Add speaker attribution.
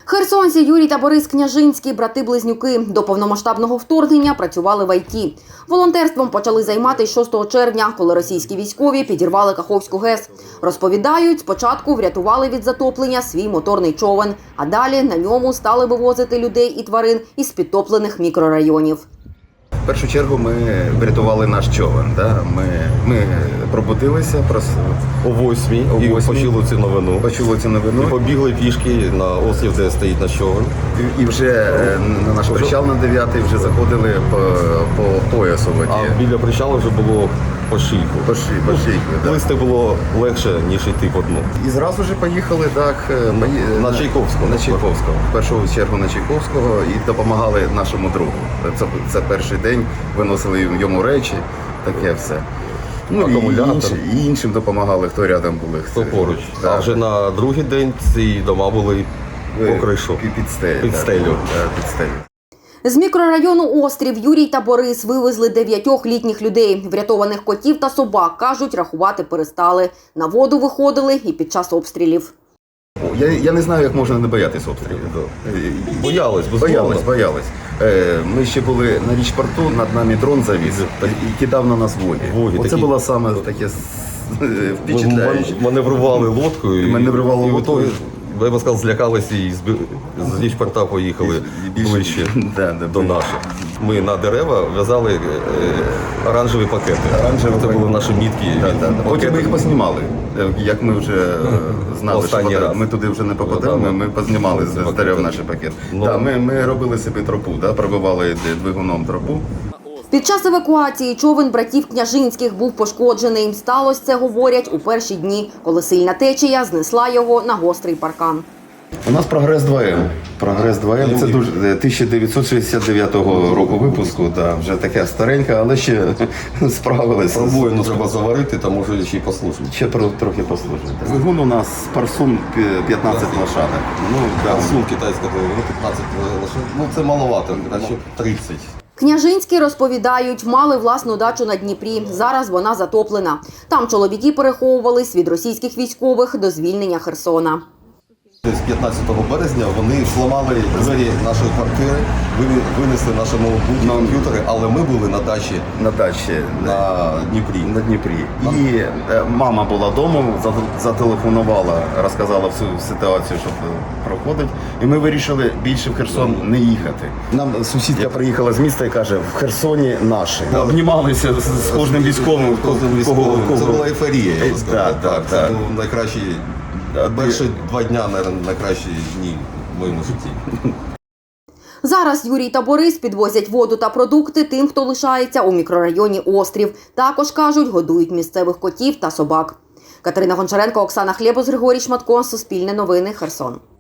Speaker 1: Херсонці Юрій та Борис Княжинські – брати-близнюки. До повномасштабного вторгнення працювали в ІТ. Волонтерством почали займатися 6 червня, коли російські військові підірвали Каховську ГЕС. Розповідають, спочатку врятували від затоплення свій моторний човен, а далі на ньому стали вивозити людей і тварин із підтоплених мікрорайонів.
Speaker 2: В першу чергу ми врятували наш човен. Ми пробудилися
Speaker 3: о 8-й і почули цю новину. І побігли пішки на острів, де стоїть наш човен.
Speaker 2: І вже на наш причал на 9-й вже заходили по поясу воді.
Speaker 3: А біля причалу вже було по шийку.
Speaker 2: По шийку, да.
Speaker 3: Плисти було легше, ніж йти по дну.
Speaker 2: І зразу ж поїхали
Speaker 3: на Чайковського.
Speaker 2: В першу чергу на Чайковського і допомагали нашому другу. Це перший день, виносили йому речі, таке все.
Speaker 3: Акумулятор.
Speaker 2: І іншим допомагали, хто рядом були.
Speaker 3: Хто поруч. Да. А вже на другий день ці дома були по кришу. Під стелю.
Speaker 1: З мікрорайону Острів Юрій та Борис вивезли 9 літніх людей. Врятованих котів та собак, кажуть, рахувати перестали. На воду виходили і під час обстрілів.
Speaker 2: Я не знаю, як можна не боятись обстрілів. Боялись. Ми ще були на річпорту, над нами дрон завіз і кидав на нас воді. Оце було саме таке впечатляюче.
Speaker 3: Маневрували лодкою. Я б сказав, злякалися і з річпорта поїхали ближче до наших. Ми на дерева в'язали оранжеві пакети. Це були наші мітки.
Speaker 2: Потім ми їх познімали. Як ми вже знали, що ми туди вже не попадемо, ми познімали з дерев наші пакети. Ми робили собі тропу, пробивали двигуном тропу.
Speaker 1: Під час евакуації човен братів Княжинських був пошкоджений. Сталося це, говорять, у перші дні, коли сильна течія знесла його на гострий паркан.
Speaker 2: У нас прогрес 2М. Прогрес 2М – це 1969 року випуску. Вже таке стареньке, але ще справилися.
Speaker 3: Пробоїну треба заварити, та може ще й послужити.
Speaker 2: Ще трохи послужити. Двигун у нас Парсун 15 лошадок.
Speaker 3: Парсун китайська двигун 15 лошадок. Це маловато, краще 30.
Speaker 1: Княжинські, розповідають, мали власну дачу на Дніпрі. Зараз вона затоплена. Там чоловіки переховувались від російських військових до звільнення Херсона.
Speaker 3: З 15 березня вони зламали двері нашої квартири, винесли наші комп'ютери, але ми були на дачі на Дніпрі. І мама була вдома, зателефонувала, розказала всю ситуацію, що проходить. І ми вирішили більше в Херсон не їхати. Нам сусідка приїхала з міста і каже, в Херсоні наші. Обнімалися з кожним військовим. Це була ейфорія, я би сказав. Це був найкращий. Перші 2 дні, мабуть, найкращі дні в моєму житті.
Speaker 1: Зараз Юрій та Борис підвозять воду та продукти тим, хто лишається у мікрорайоні Острів. Також, кажуть, годують місцевих котів та собак. Катерина Гончаренко, Оксана Хлєбус, Григорій Шматко, Суспільне новини, Херсон.